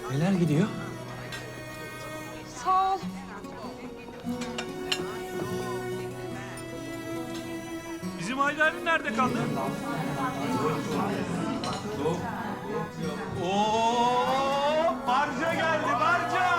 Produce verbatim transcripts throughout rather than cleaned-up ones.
Neler gidiyor? Sağ ol. Bizim Haydari nerede kaldı? Oo, barca geldi, barca.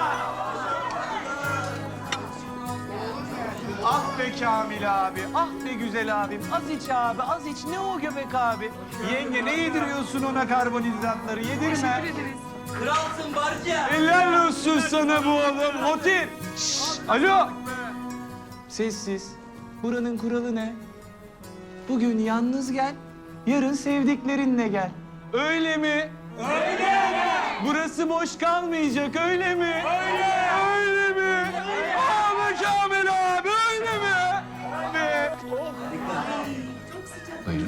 Ah be Kamil abi, ah be güzel abim. Az iç abi, az iç. Ne o göbek abi? Yenge ne yediriyorsun ona karbonhidratları? Yedirme. Teşekkür ederiz. Kralsın Barca. Helal olsun sana bu oğlum. Motif. Şşş, alo. Sessiz. Buranın kuralı ne? Bugün yalnız gel, yarın sevdiklerinle gel. Öyle mi? Öyle. Burası boş kalmayacak, öyle mi? Öyle. Öyle mi? Abi Kamil abi, öyle mi? Be. Oh. Buyurun.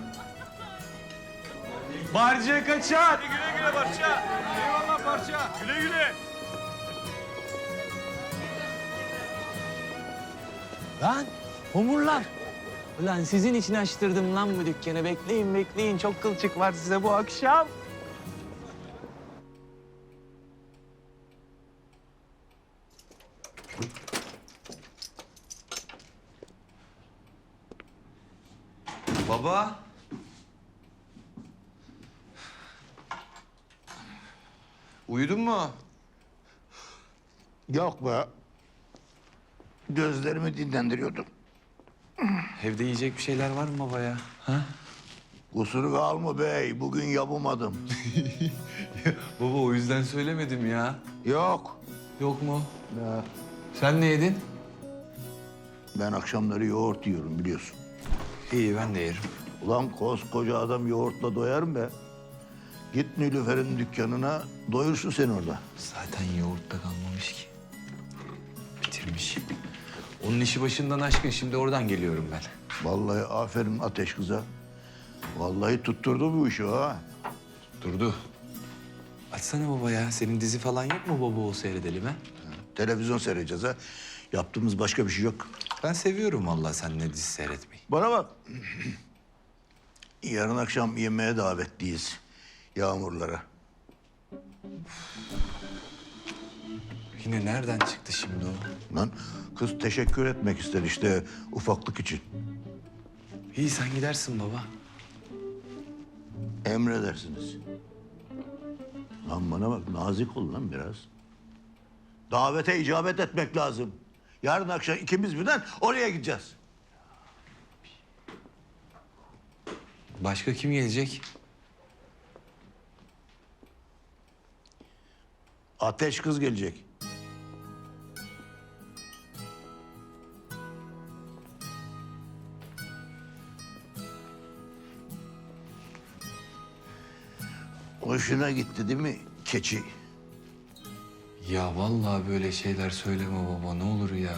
Barca kaçar. Güle güle Barca. Eyvallah Barca. Güle güle. Lan homurlar. Ulan sizin için açtırdım lan bu dükkanı. Bekleyin bekleyin. Çok kılçık var size bu akşam. Baba. Uyudun mu? Yok be. Gözlerimi dinlendiriyordum. Evde yiyecek bir şeyler var mı baba ya? Ha? Kusuru kalma bey, bugün yapamadım. Baba o yüzden söylemedim ya. Yok. Yok mu? Ya. Sen ne yedin? Ben akşamları yoğurt yiyorum biliyorsun. İyi ben de yerim. Ulan koskoca adam yoğurtla doyar mı be? Git Nilüfer'in dükkanına, doyursun seni orada. Zaten yoğurtta kalmamış ki. Bitirmiş. Onun işi başından aşkın. Şimdi oradan geliyorum ben. Vallahi aferin Ateş kıza. Vallahi tutturdu bu işi ha. Durdu. Açsana baba ya. Senin dizi falan yok mu baba o seyredelim ha? Televizyon seyredeceğiz ha. Yaptığımız başka bir şey yok. Ben seviyorum vallahi seninle dizi seyretmeyi. Bana bak. Yarın akşam yemeğe davetliyiz. Yağmurlara. Yine nereden çıktı şimdi o? Lan kız teşekkür etmek ister işte ufaklık için. İyi sen gidersin baba. Emredersiniz. Lan bana bak nazik ol lan biraz. Davete icabet etmek lazım. Yarın akşam ikimiz birden oraya gideceğiz. Başka kim gelecek? Ateş kız gelecek. Hoşuna gitti değil mi keçi? Ya vallahi böyle şeyler söyleme baba ne olur ya.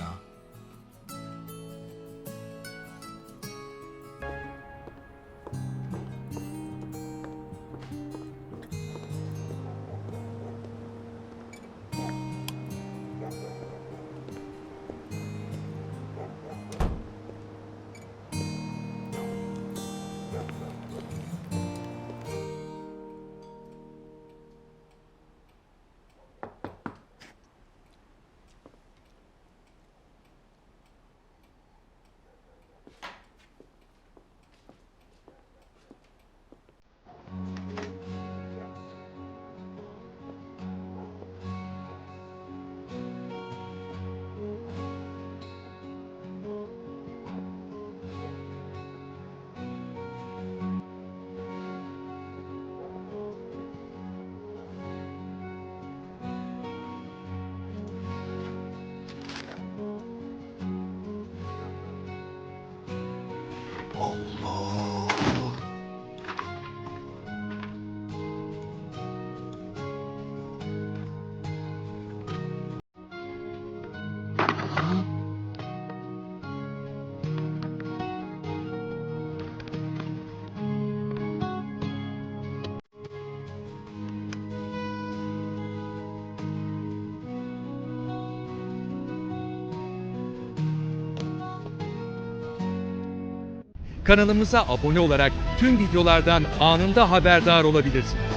Allah! Kanalımıza abone olarak tüm videolardan anında haberdar olabilirsiniz.